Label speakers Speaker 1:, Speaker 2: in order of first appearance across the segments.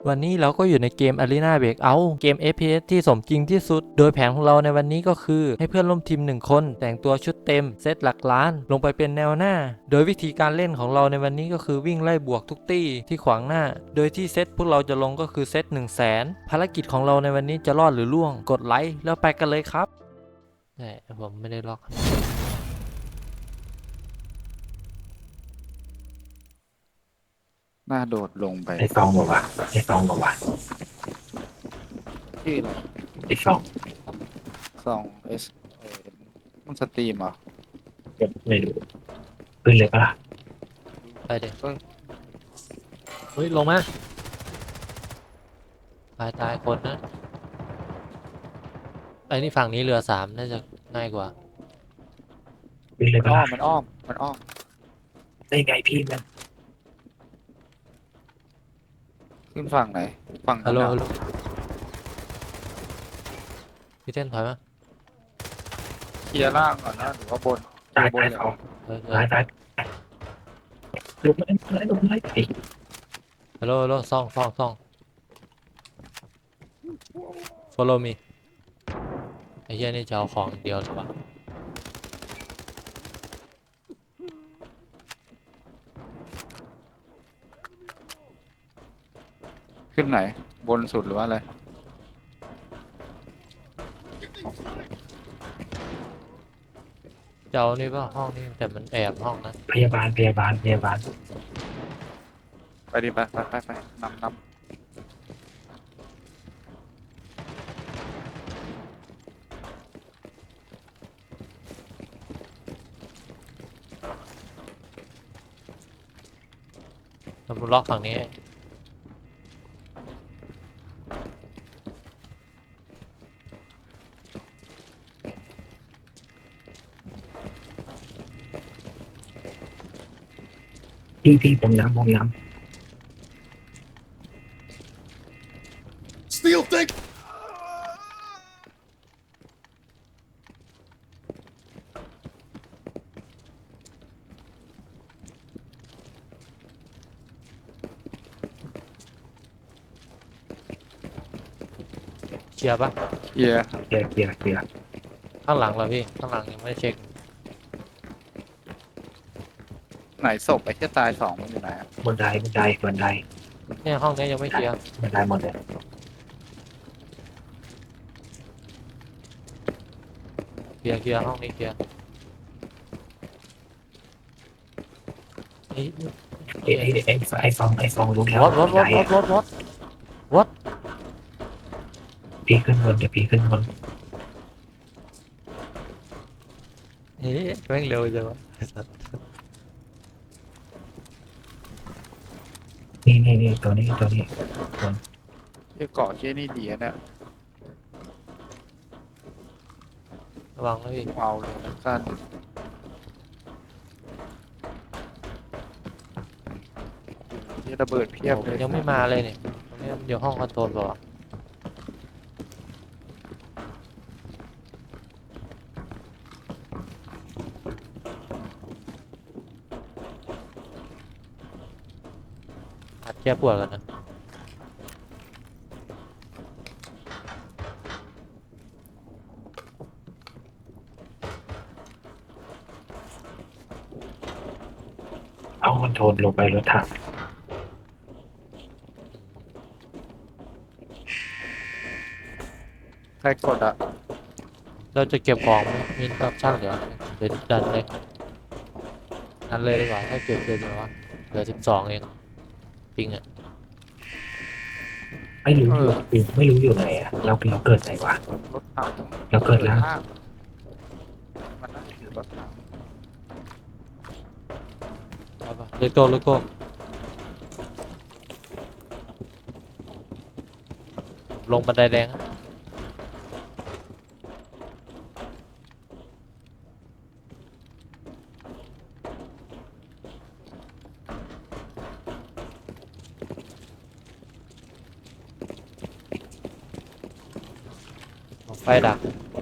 Speaker 1: วันนี้เราก็อยู่ในเกม Arena Breakout เกม FPS ที่สมจริงที่สุด โดยแผนของเราในวันนี้ก็คือให้เพื่อนร่วมทีม1คนแต่งตัวชุดเต็มเซตหลักล้านลงไปเป็นแนวหน้า โดยวิธีการเล่นของเราในวันนี้ก็คือวิ่งไล่บวกทุกตี้ที่ขวางหน้า โดยที่เซตพวกเราจะลงก็คือเซต100,000ภารกิจของเราในวันนี้จะรอดหรือล่วงกดไลค์แล้วไปกันเลยครับแต่ผมไม่ได้ล็อก
Speaker 2: น่าโดดลงไป
Speaker 3: ไอซองบอกว่าไอซองบอกว่า
Speaker 2: ที่อะไร
Speaker 3: ไอซอง
Speaker 2: ซองมันสตรีมเหรอ
Speaker 3: ก็ไม่รู้ขึ้นเลยปะล่ะ
Speaker 1: ไปเด็ก
Speaker 2: เอ้ย
Speaker 1: เฮ้ยลงมาตายคนนะไอ้นี่ฝั่งนี้เรือ3น่าจะง่ายกว่า
Speaker 3: ขึ้นเลย
Speaker 2: มัน
Speaker 3: ปะ
Speaker 2: อ้อ
Speaker 3: ล่ะ
Speaker 2: มมันอ้อมมันอ้อม
Speaker 3: ได้ไงพี่มัน
Speaker 2: ขึ้นฝั่งไหนฝั่ง
Speaker 1: ฮั
Speaker 2: นั้
Speaker 1: ล
Speaker 2: น
Speaker 1: โหล
Speaker 2: น่ะ
Speaker 1: ฮัลโหลพี่เต้นถอยมา
Speaker 2: เคลียร์ล่างก่อนนะหรือว่าบน
Speaker 3: ตาย
Speaker 2: บน
Speaker 3: ตาย
Speaker 2: เลย
Speaker 3: ซอง
Speaker 1: เออ
Speaker 3: ตายลงมาลงมาไอ
Speaker 1: ฮัลโหลฮัลโหลซ่อง follow me ไอ้เหี้ยนี่จะเอาของอย่างเดียวหรือเปล่า
Speaker 2: ขึ้นไหนบนสุดหรือว่าอะไร
Speaker 1: จะเอานี่ป่ะห้องนี้แต่มันแอบห้องนะ
Speaker 3: พยาบาล
Speaker 2: ไปดิไปนำ
Speaker 1: มันล็อกฝั่งนี้
Speaker 3: พี่ผมน้ำ
Speaker 4: Steel thick.
Speaker 1: เคลียร์ป่ะ
Speaker 2: เคลียร์
Speaker 3: เคลียร์
Speaker 1: ข้างหลังเหรอพี่ข้างหลังยังไม่ได้เช็ค
Speaker 2: ไหนศพไอ้ที่ตายสองมันอยู่ไหนอะ
Speaker 3: บันได
Speaker 1: เนี่ยห้องนี้ยังไม่เคลียร์
Speaker 3: บันไดหมดเลย
Speaker 1: เคลียร์ห้องนี้เคลียร์ไอ้
Speaker 3: ไอซองรู้แล้ว
Speaker 1: วอต
Speaker 3: พี่ขึ้นบนเดี๋ยวพี่ขึ้นบน
Speaker 1: เฮ้ยแม่งเร็วจังวะ
Speaker 3: นี่ตัวนี้
Speaker 2: ที่เกาะที่นี่ดีอะเนี่ย
Speaker 1: ระวังนะพี่
Speaker 2: เอาเลยนะสั้นที่ระเบิดเพียบเลย
Speaker 1: ยังไม่มาเลยเนี่ยตรงนี้มันอยู่ห้องคอนโทรลเปล่าวะอัดแก้ปวดกันนะ
Speaker 3: เอาคอนโทรลลงไปรถถัง
Speaker 2: ใครกดอะ
Speaker 1: เราจะเก็บของไหมมีออปชั่นเหลือเดี๋ยวดันเลยดีกว่าถ้าเก็บเกินวะเหลือ12เองปิงอ่ะ
Speaker 3: ไม่รู้อยู่ไหนอะเราเกิดไหนวะ
Speaker 2: รถถัง
Speaker 3: เราเกิดแล้ว
Speaker 2: มันน่าจะถือรถถัง
Speaker 1: เอาปะเลโก้ลงบันไดแดงอะไฟดัก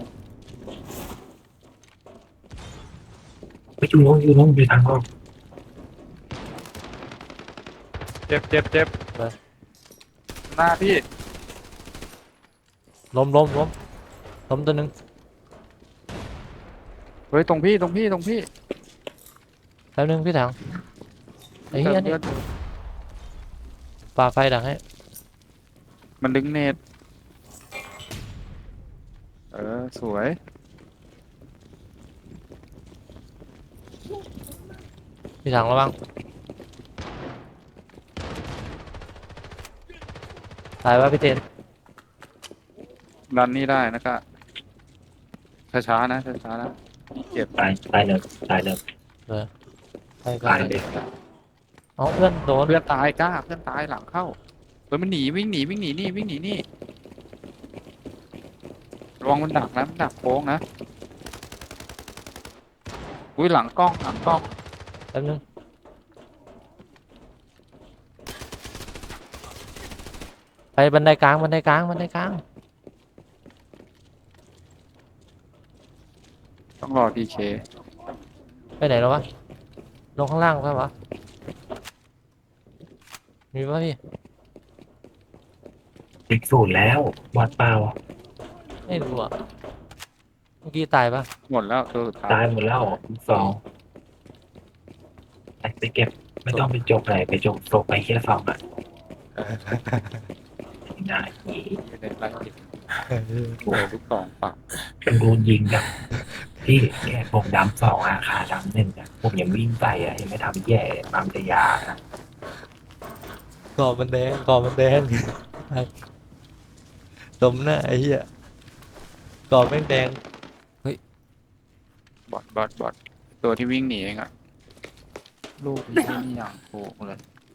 Speaker 3: ไปอยู่ลงอยู่ทางออก
Speaker 2: เจ็บ
Speaker 1: ไป
Speaker 2: หหน้าพี่
Speaker 1: ล้มตัวหนึ่ง
Speaker 2: เฮ้ยตรงพี่
Speaker 1: แป๊บนึงพี่ถังไอ้
Speaker 2: เติ
Speaker 1: เหี้ย
Speaker 2: ม
Speaker 1: นี่
Speaker 2: เลือด
Speaker 1: ปาไฟดังให้
Speaker 2: มันดึงเน็ตสวย
Speaker 1: พี่ถังระวังตายวะพี่เต้น
Speaker 2: ดันนี่ได้นะก็ช้าๆนะช้าๆนะเจ็บ
Speaker 3: ตายตายเลยตายเลย
Speaker 1: เออไป
Speaker 3: ตายเลย
Speaker 1: อ๋อเพื่อนโดน
Speaker 2: เพื่อนตายกล้าเพื่อนตายหลังเข้าเฮ้ยมันหนีวิ่งหนีนี่ระวังมันดักนะมันดักโค้งนะอุ้ยหลังกล้อง
Speaker 1: แป๊บนึงไปบันไดกลาง
Speaker 2: ต้องรอพีเค
Speaker 1: ไปไหนแล้ววะลงข้างล่างใช่ปะมีปะพี่
Speaker 3: ติดศูนย์แล้ววัดเปล่า
Speaker 1: ไม่รู้อ่ะเมื่อกี้ตายปะ
Speaker 2: หมดแล้วตัวสุดท้า
Speaker 3: ตาย ยหมดแล้วสองไปเก็บไม่ต้องไปจกไหนไปจกตกไปแค่สองอ่ะได้
Speaker 2: ไม่ได้ไล่ติดโอ้ลูกสองปาก
Speaker 3: เป็นรูนยิงแบบพี่แค่ผมดำสองอาคาดำหนึ่งอ่ะผมยังวิ่งไปอ่ะยังไม่ทำแย่ปั๊มแต่ยานะ
Speaker 1: ก่อมันแดง สมหน้าไอ้เหี้ยก่อแม่งแดง
Speaker 2: บอทตัวที่วิ่งหนีเองอะลูกนี่อย่างโกงเลย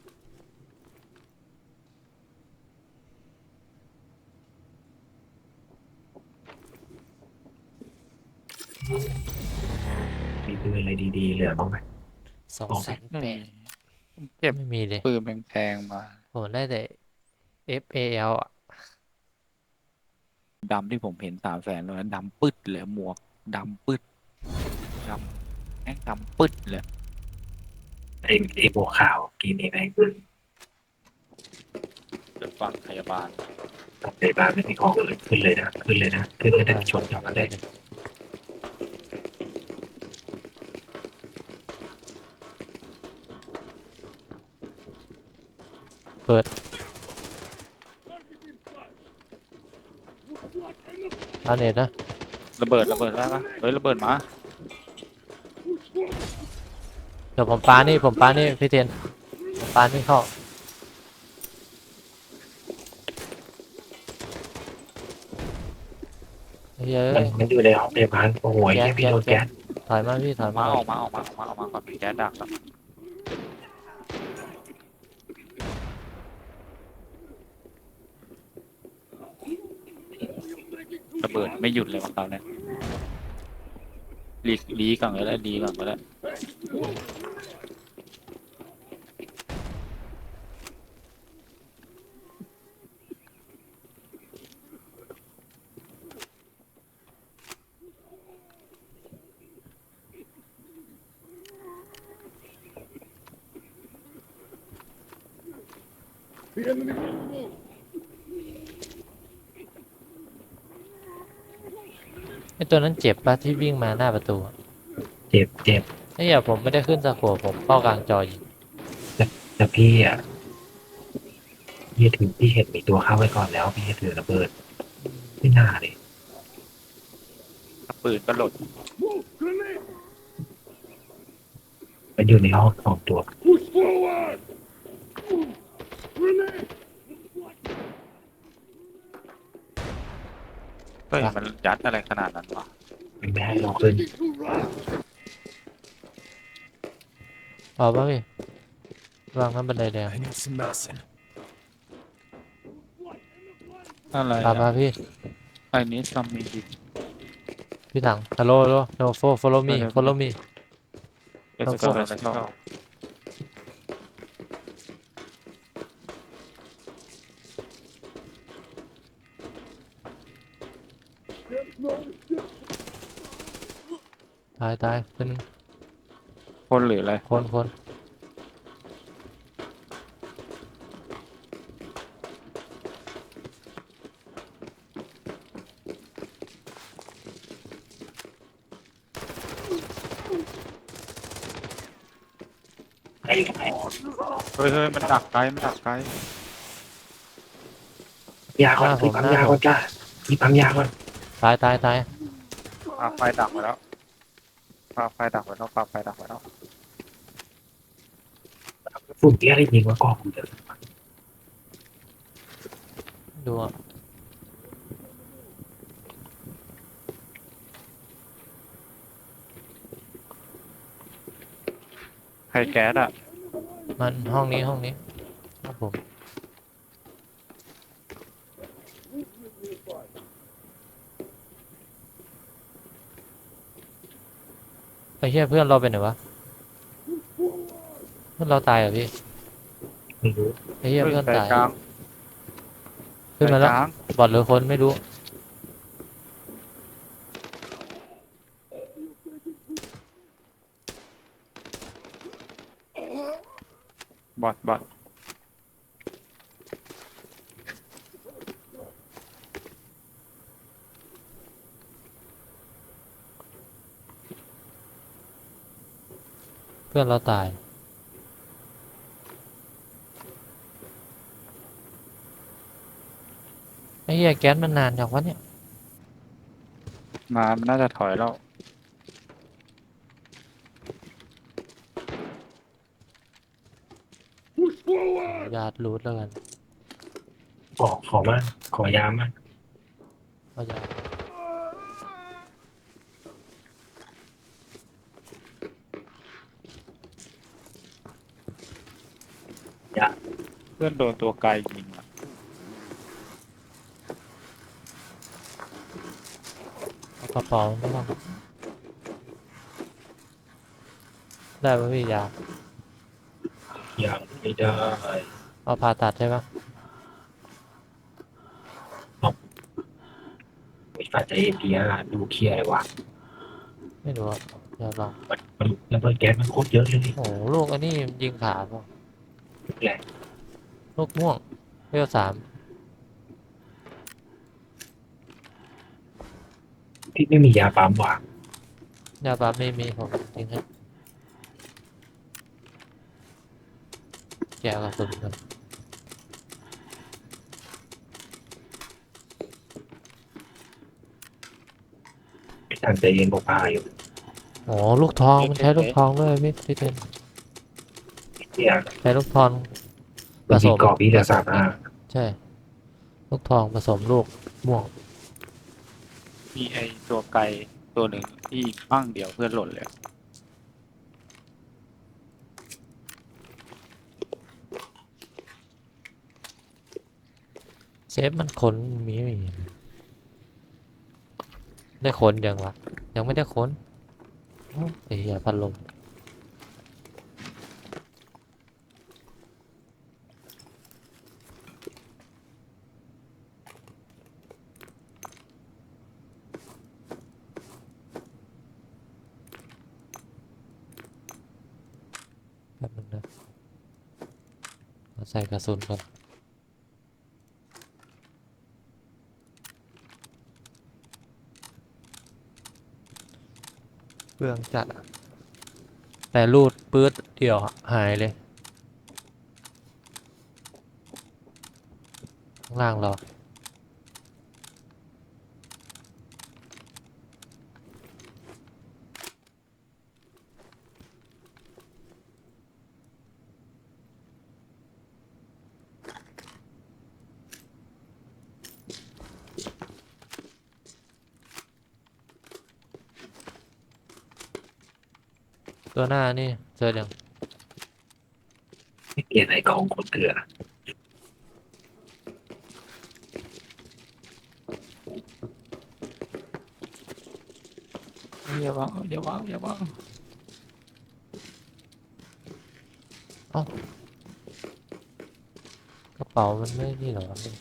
Speaker 3: มีปืนอะไรดีๆเหลือบ้างไหม
Speaker 1: 200,008
Speaker 2: เก็บ
Speaker 1: ไม่มีเลย
Speaker 2: ปืนแพงๆมา
Speaker 1: ผมได้แต่ FAL อ่ะ
Speaker 2: ดำที่ผมเห็น300,000เลยดำปึ๊ดเลยหมวกดำปึ๊ดดำแม่งดำปึ๊ดเลย
Speaker 3: ไอ้บัวขาวกินเองไง
Speaker 2: เป็นฝั่งพยาบาล
Speaker 3: กับในบ้านไม่มีของเลยขึ้นเลยนะขึ้นเลยนะชนกลับมาได้
Speaker 1: เปิดอาเน็ตนะ
Speaker 2: ระเบิดได้ปะเฮ้ยระเบิดมา
Speaker 1: เดี๋ยวผมปานี่พี่เทียนผมปานี่เข้าเฮ้ย
Speaker 3: มันอยู่ในห้องพยาบาลโอ้โหแค่พี่โดนแก๊ส
Speaker 1: ถอยมาพี่ถอยมา
Speaker 2: ออกมาก่อนมีแก๊สดักแล้วระเบิดไม่หยุดเลยของเขาเนี่ยลีก่อนก็ได้
Speaker 1: ไอตัวนั้นเจ็บปะที่วิ่งมาหน้าประตูอะ
Speaker 3: เจ็บ
Speaker 1: ไอ้เหี้ยผมไม่ได้ขึ้นตะกั่วผมเข้ากลางจอยิง
Speaker 3: แต่พี่อ่ะพี่ถือพี่เห็นมีตัวเข้าไว้ก่อนแล้วพี่ถือระเบิดไม่น่าเลย
Speaker 2: ปืนก็หล่น
Speaker 3: มันอยู่ในห้องสองตัว
Speaker 2: เฮ้ยมันยัดอะไรขนาดนั้นวะ
Speaker 3: มันไม่ให้เราขึ้น
Speaker 1: เอาป่ะพี่วางน้ำบันไดแดง
Speaker 2: อะไร
Speaker 1: ตามมาพี่
Speaker 2: ไอ้นี้ซัมมีดิ
Speaker 1: พี่ถังฮัลโหลno follow me
Speaker 2: เอสโซเ
Speaker 1: ตายเป็นง
Speaker 2: คนหรืออะไร
Speaker 1: คน
Speaker 3: ไอ้อยู่ไหน
Speaker 2: เฮ้ยมันดักไกลมันดักไกล
Speaker 3: ยาก่อนพี่ปั๊มยาก่อนจ้าพี่ปั๊มยาก่อน
Speaker 1: ตายตายตาย
Speaker 2: ปาไฟดักไว้แล้วปาไฟดักไว้แล้วปาไฟดักไว้แล้ว
Speaker 3: ฝุ่นเตี้ยได้ยิงว่ากองผมเถอะ
Speaker 1: ดูอะ
Speaker 2: ใครแก๊สอ่ะ
Speaker 1: มันห้องนี้ครับผมไอ้เหี้ยเพื่อนเราเป็นไหนวะเพื่อนเราตายเหรอพี่
Speaker 3: ไม่รู้
Speaker 1: ไอ้เหี้ยเพื่อน
Speaker 2: ใจ
Speaker 1: ตาย
Speaker 2: กลาง
Speaker 1: ขึ้นมาแล้ว
Speaker 2: ใจกลาง
Speaker 1: บอดหรือคนไม่รู้
Speaker 2: บอท
Speaker 1: เพื่อนเราตายไอ้เหี้ยแก๊สมันนานจังวะเนี่ย
Speaker 2: มันน่าจะถอยแล้ว
Speaker 1: ญาติรูทแล้วกัน
Speaker 3: ขอมาขอยามา
Speaker 1: เอาญาติ
Speaker 2: เพื่อนโดนตัวไกลยิงอะ
Speaker 1: เอากระเป๋าไม่ต้องได้ป่ะพี่ยา
Speaker 3: ยังไม่ได้
Speaker 1: เอาผ่าตัดใช่ปะ
Speaker 3: ไอ้ฝ่ายใจเอพีอาดูเคลียร์เลยวะ
Speaker 1: ไม่รู้อะเดี๋ยวลอง
Speaker 3: มันระเบิดแก๊สมันโคตรเยอะเลย
Speaker 1: โอ้โหลูกอันนี้ยิงขาป่ะ
Speaker 3: แหละ
Speaker 1: ลูกม่วงเวล3
Speaker 3: ที่ไม่มียาปั๊มว่ะ
Speaker 1: ยาปั๊มไม่มีผมจริงให้แกะกระสุนกัน
Speaker 3: ทางใจเย็นบอกพาอยู่
Speaker 1: โอ้ลูกทองมันใช้ลูกทองด้วยพี่เต้น
Speaker 3: เนี่ย
Speaker 1: ใช้ลูกทองผ
Speaker 3: มัน
Speaker 1: ส
Speaker 3: มี
Speaker 1: ม
Speaker 3: กรอบพี่ละ35
Speaker 1: ใช่ ลูกทองผสมลูกม่วง
Speaker 2: มีไอตัวไกลตัวหนึ่งที่ยิงปั้งเดียวเพื่อนหล่นเลย
Speaker 1: เซฟมันค้นมีไม่มีได้ค้นยังวะยังไม่ได้ค้นโอ้ไอ้เหี้ยพัดลมแป๊บนึงนะเอาใส่กระสุนก่อนเปลืองจัดอะแต่รูดปื๊ดเดี่ยวหายเลยข้างล่างเราตัวหน้านี่เจอยัง
Speaker 3: เกลียดไอ้กองคนเกลือ
Speaker 2: อย่าวาง
Speaker 1: กระเป๋ามันไม่นี่เหรอวะนี่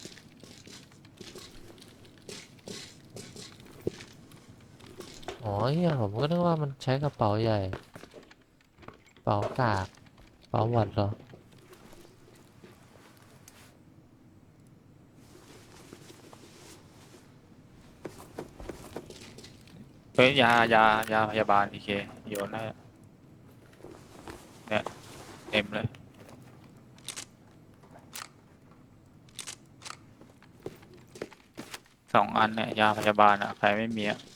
Speaker 1: อ๋อเฮียผมก็นึกว่ามันใช้กระเป๋าใหญ่กระเป๋ากากกระเป๋าหวัดเหรอ
Speaker 2: เฮ้ยยาพยาบาลดีเคโยนให้ต็มเลย2 อันเนี่ยยาพยาบาลอ่ะใครไม่มีอ่ะ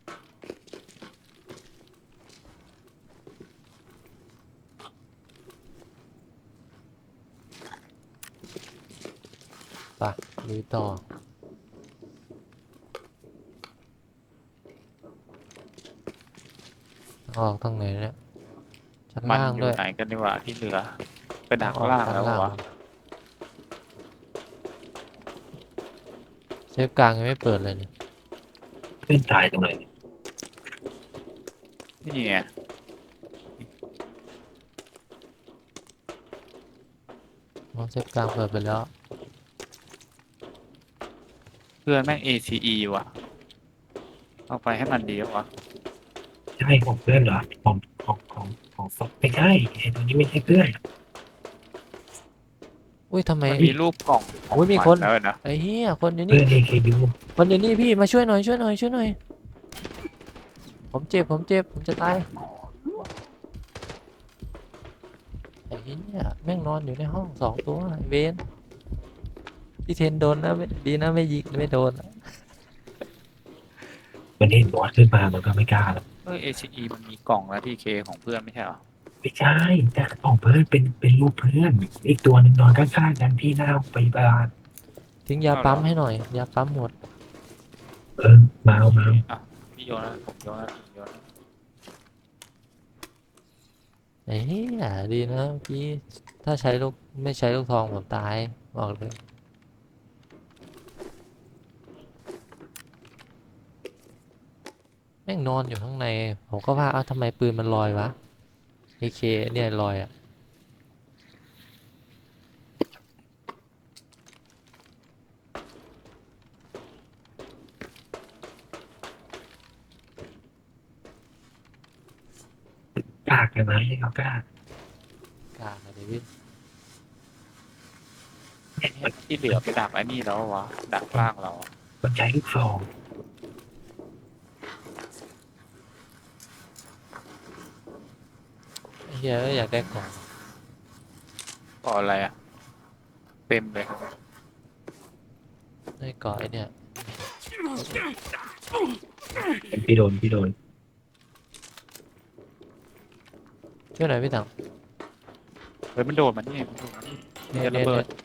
Speaker 1: ไปลุยต่อออกทางไหนเนี่ยชั้น
Speaker 2: มัน
Speaker 1: ล่าง
Speaker 2: อ
Speaker 1: ด้
Speaker 2: ยู่
Speaker 1: วย
Speaker 2: ไหนกันดีกว่าที่เหลือไปดัก
Speaker 1: ออก
Speaker 2: ล่าง
Speaker 1: ชั้น
Speaker 2: แล้ว
Speaker 1: ล่าง
Speaker 2: วะ
Speaker 1: เซฟกลางยังไม่เปิดเลยเนี่ย
Speaker 3: เพื่อนตายตรงไหน
Speaker 2: นี่ไง
Speaker 1: น้องเซฟกลางเปิดไปแล้ว
Speaker 2: เพื่อนแม่ง ACE ว่ะเอาไปให้มันดีวะ
Speaker 3: ใช่ของเพื่อนเหรอของฟอกไม่ใช่ไอ้ตัวนี้ไม่ใช่เพื่อน
Speaker 1: อุ้ยทำไม
Speaker 2: มันมีรูปกล่องของ
Speaker 1: อุ้ยมีคน
Speaker 2: แล้วนะ
Speaker 1: ไอ้เหี้ยคนอยู่
Speaker 3: เพื่
Speaker 1: นี่
Speaker 3: อน AKU
Speaker 1: คนอยู่นี่พี่มาช่วยหน่อยช่วยหน่อยช่วยหน่อยผมเจ็บผมจะตายไอ้เหี้ยแม่งนอนอยู่ในห้อง2 ตัวไอ้เวนพี่เทนโดนนะดีนะไม่ยิงไม่โดน
Speaker 3: มันเห็นบอสขึ้นมามันก็ไม่กล้าหรอก
Speaker 2: ACE มันมีกล่องแล้วที่เคของเพื่อนไม่ใช่เหรอ
Speaker 3: ไม่ใช่แต่ของเพื่อนเป็นรูปเพื่อนอีกตัวหนึ่งนอนข้างๆกันที่หน้าไปบาล
Speaker 1: ทิ้งยาปั๊มให้หน่อยยาปั๊มหมด
Speaker 3: มาเอา
Speaker 2: อ่ะพี่โยนนะผมโยนนะโยนนะ
Speaker 1: ไอ้เหี้ยดีนะพี่ถ้าใช้ลูกไม่ใช้ลูกทองผมตายบอกเลยแม่งนอนอยู่ข้างในผมก็ว่าเอ้าทำไมปืนมันลอยวะAKเนี่ยลอยอ่ะ
Speaker 3: กากเลยนะให้เขากล้าก
Speaker 1: ลางเลยพี่
Speaker 2: ที่เหลือไปดักไอ้นี่แล้ววะดักล่างเราอะ
Speaker 3: มันใช้ลูกซอง
Speaker 1: ไอ้เหี้ยอยากได้กล่อง
Speaker 2: ก่ออะไรอ่ะเต็มเลย
Speaker 1: ได้กล่องไอ้เนี่ย
Speaker 3: พี่โดน
Speaker 1: ช่วยหน่อยพี่ถัง
Speaker 2: เฮ้ยมันโดดมันนี่มันโดดมันนี่
Speaker 1: เนี่ย
Speaker 2: จะ
Speaker 1: เนี่
Speaker 2: ระ
Speaker 1: ย
Speaker 2: เบิด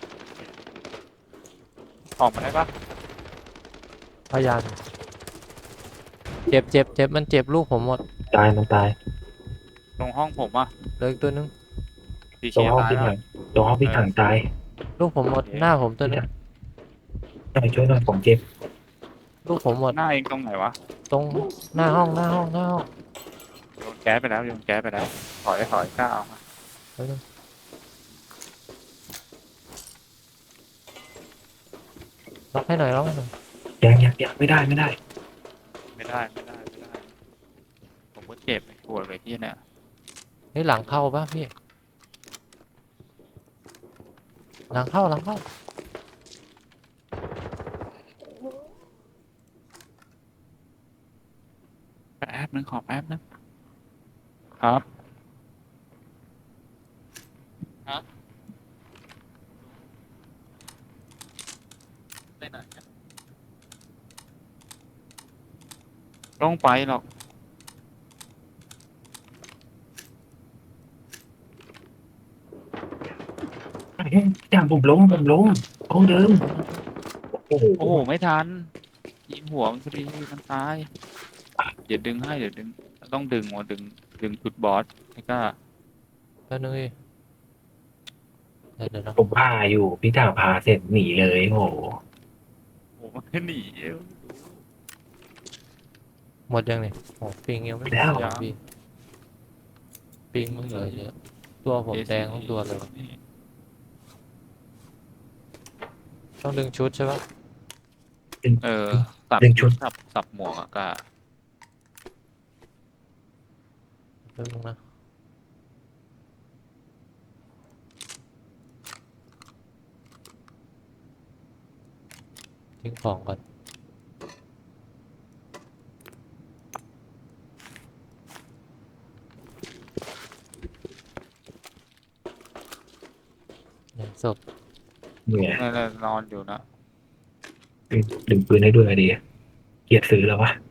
Speaker 2: ออกมาได้ปะ
Speaker 1: พยานเจ็บมันเจ็บลูกผมหมด
Speaker 3: ตายมันตาย
Speaker 2: ตรงห้องผมอ่ะ
Speaker 1: เหลืออีกตัวนึง
Speaker 2: ดีเค
Speaker 3: ตัวห้อง
Speaker 2: ตาย
Speaker 3: พี่
Speaker 2: แล้ว
Speaker 3: ถังตัวห้องพี่ถังตาย
Speaker 1: ลูกผมหมดหน้าผมตัวนึง
Speaker 3: ช่วยหน่อยผมเจ็บ
Speaker 1: ลูกผมหมด
Speaker 2: หน้าเองตรงไหนวะ
Speaker 1: ตรงหน้าห้อง
Speaker 2: โยนแก๊สไปแล้วโยนแก๊สไปแล้วถอยกล้าเอามา
Speaker 1: แป๊บนึงล็อกให้หน่อยล็อกให้หน่อย
Speaker 3: ยังไม่ได้
Speaker 2: ไม่ได้ผมก็เจ็บปวดเลยที่เนี่ย
Speaker 1: เฮ้ยหลังเข้าปะพี่หลังเข้า
Speaker 2: แป๊บนึงขอแป๊บนึงครับไปไหนอะต้องไปหรอก
Speaker 3: อย่างผมล้มห้องเดิมโอ้โห
Speaker 2: โอ้โหไม่ทันยิงหัวมันพอดีมันตายเดี๋ยวดึงให้เดี๋ยวดึงต้องดึงว่ะดึงจุดบอสไม่กล้า
Speaker 1: แป๊บนึงพี่เดี๋ยวนะ
Speaker 3: ผมพาอยู่พี่ถังพาเสร็จหนีเลยโอ้โห
Speaker 2: โอ้มันหนี
Speaker 1: หมดยังเนี่ยโอ้ปิงยังไม่หมด
Speaker 3: แล้ว
Speaker 1: ยังพี่ปิงมึงเหลือเยอะตัวผมแดงทั้งตัวเลยว่ะต้องดึงชุดใช่ปะ
Speaker 2: เออสับ
Speaker 3: ดึงชุด
Speaker 2: สับหมวกอะกะ
Speaker 1: แป๊บนึงนะทิ้งของก่อนศพ
Speaker 3: เนี่ย
Speaker 2: นั่นแหละนอนอยู่นะ
Speaker 3: ดึงปืนให้ด้วยดีเกลียดซื้อแล้ววะ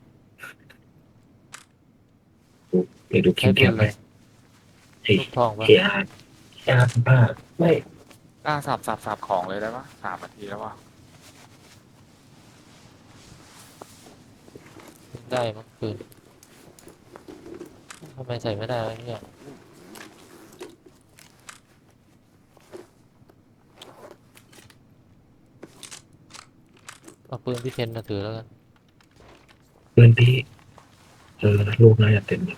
Speaker 3: เดี๋ยวดูคิ
Speaker 1: ใช้
Speaker 3: ม
Speaker 1: ปื
Speaker 3: แค
Speaker 1: น
Speaker 3: ป
Speaker 1: เล
Speaker 3: ไป
Speaker 1: ย
Speaker 3: เฮ้ย
Speaker 1: ลูกทองปะ
Speaker 3: เAR ผ้าไม่
Speaker 2: กล้าสับของเลยได้ปะ3 นาทีแล้ววะ
Speaker 1: ได้มั้งปืนทำไมใส่ไม่ได้วะเนี่ยเอาปืนพี่เทนมาถือแล้วกัน
Speaker 3: ปืนพี่ลูกน่าจะเต็มเลย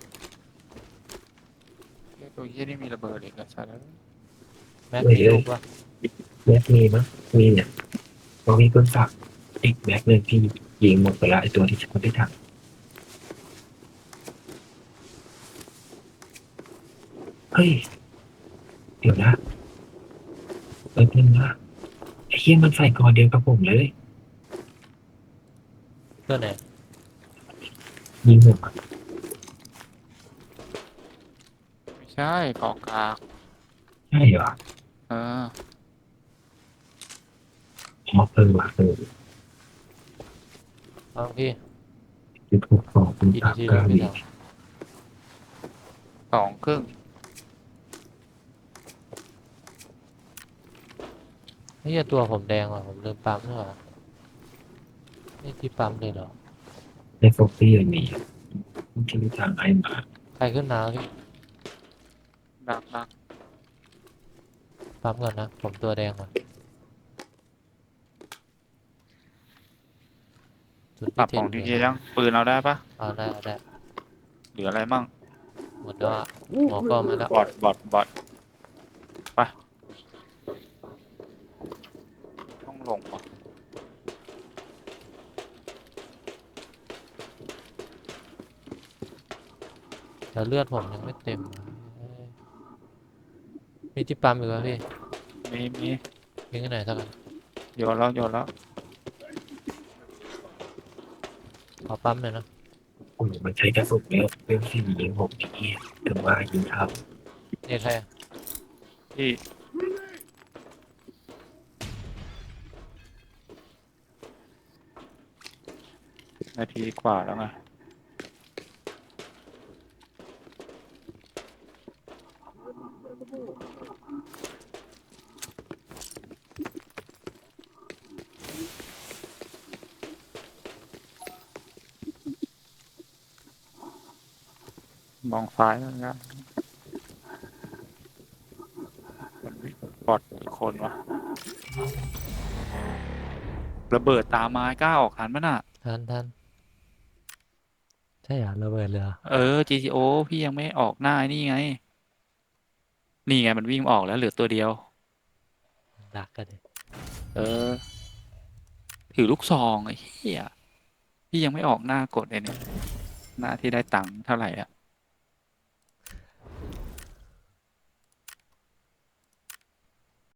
Speaker 2: เฮ้ยตัวเหี้ยนี่มีระเบิดอีกอะใช่แล้ว
Speaker 1: แม็กมีลูกปะ
Speaker 3: แม็กมีมั้ยมีเนี่ยพอมีปืนฝากอีกแม็กหนึ่งพี่ยิงหมดไปละไอตัวที่ฉันไม่ทันเฮ้ยเดี๋ยวนะนึงนะไอ้เหี้ยมันใส่กอเดียวกับผมเลย
Speaker 1: เพื่อนไหน
Speaker 3: ยิงผม
Speaker 2: ไม่ใช่กองกลาง
Speaker 3: ใช่เหรอ
Speaker 2: เออ
Speaker 3: ว่ะ
Speaker 1: เอาพี่
Speaker 3: คือถูกสองปืน
Speaker 1: กี่
Speaker 3: ฝา
Speaker 1: นาที
Speaker 3: ก
Speaker 1: แล้ว
Speaker 3: ล้า
Speaker 1: พี่
Speaker 3: ดี
Speaker 1: ทำ
Speaker 2: 2 ครึ่ง
Speaker 1: เฮ้ยตัวผมแดงว่ะผมลืมปั๊มด้วยว่ะนี่ที่ปั๊มเลยเหรอ
Speaker 3: ในฟอกซี่อย่างนี้มันจะมีทางให้มา
Speaker 1: ใครขึ้นมาพี่
Speaker 2: ดัก
Speaker 1: ปั๊มก่อนนะผมตัวแดงก่อนจุด
Speaker 2: ปรับ
Speaker 1: ที่
Speaker 2: ของ
Speaker 1: เท
Speaker 2: ดี
Speaker 1: น
Speaker 2: เจยังปืนเราได้ปะ
Speaker 1: เอาได้เอาได้
Speaker 2: เหลืออะไรมั่ง
Speaker 1: หมดแล้วอะหมอก็มาแล้ว
Speaker 2: บอทไปต้องลงว่ะ
Speaker 1: แต่เลือดผมยังไม่เต็มมีที่ปั๊มอยู่ป่ะพี่
Speaker 2: มี
Speaker 1: ยิงที่ไหนสักอัน
Speaker 2: โยนแล้ว
Speaker 1: ขอปั๊มหน่อยนะ
Speaker 3: โอ้โหมันใช้กระสุนแล้วเป็นสี่ยิงผมที่ถึงว่ายิงทับ
Speaker 1: เนี่ยใครอะ
Speaker 2: ที่นาทีกว่าแล้วไงมองซ้ายแล้วนะบอทอีกคนวะระเบิดตามไม้กล้าออกทันมั้ยน่ะ
Speaker 1: ทันใช่เหรอระเบิดเลยเหรอ
Speaker 2: GTO พี่ยังไม่ออกหน้าไอ้นี่ไง นี่ไงมันวิ่งออกแล้วเหลือตัวเดียว
Speaker 1: ดักกันเลย
Speaker 2: เออ ถือลูกซองไอ้เหี้ยพี่ยังไม่ออกหน้ากดเลยเนี่ย หน้าที่ได้ตังค์เท่าไหร่อ่ะ